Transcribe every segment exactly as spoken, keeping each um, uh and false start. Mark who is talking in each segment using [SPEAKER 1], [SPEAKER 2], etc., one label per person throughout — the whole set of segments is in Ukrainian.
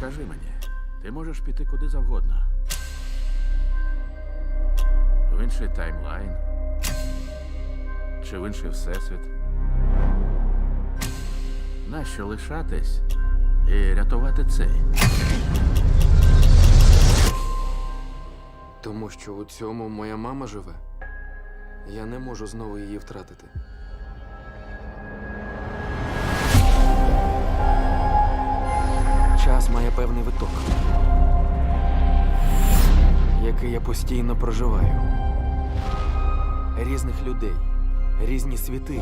[SPEAKER 1] Скажи мені, ти можеш піти куди завгодно. В інший таймлайн. Чи в інший всесвіт. Нащо лишатись і рятувати цей?
[SPEAKER 2] Тому що у цьому моя мама живе. Я не можу знову її втратити. Час має певний виток, який я постійно проживаю. Різних людей, різні світи.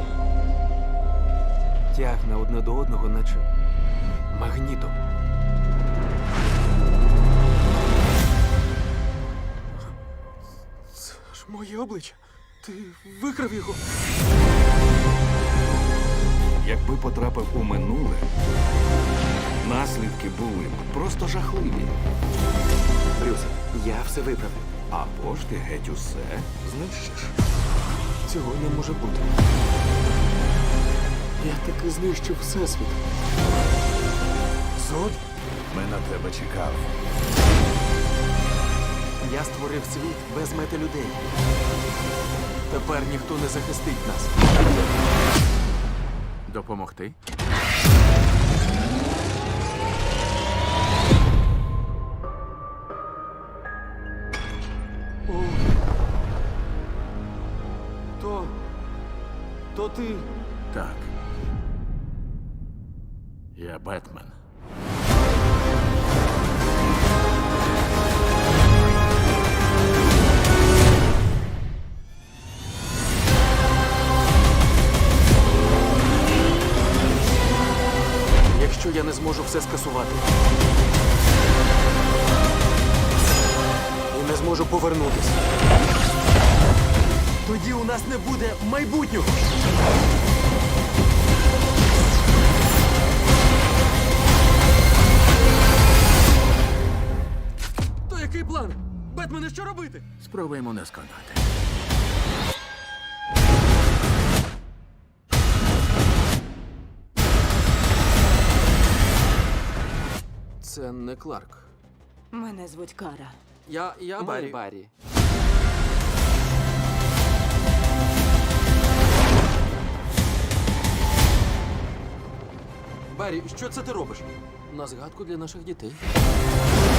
[SPEAKER 2] Тягне одне до одного, наче магнітом. Це ж моє обличчя. Ти викрав його.
[SPEAKER 3] Якби потрапив у минуле, наслідки були б просто жахливі.
[SPEAKER 2] Брюс, я все виправив.
[SPEAKER 3] Або ж ти геть усе знищиш.
[SPEAKER 2] Цього не може бути. Я таки знищив всесвіт. Зод?
[SPEAKER 3] Ми на тебе чекали.
[SPEAKER 2] Я створив світ без мети людей. Тепер ніхто не захистить нас.
[SPEAKER 1] Допомогти?
[SPEAKER 2] О. То... То ти...
[SPEAKER 1] Так. Я Бетмен.
[SPEAKER 2] Якщо я не зможу все скасувати і не зможу повернутися, тоді у нас не буде майбутнього. То який план? Бетмене, що робити?
[SPEAKER 1] Спробуємо не сконати.
[SPEAKER 2] Це не Кларк.
[SPEAKER 4] Мене звуть Кара.
[SPEAKER 2] Я... я Баррі. Баррі. Баррі, що це ти робиш? На згадку для наших дітей.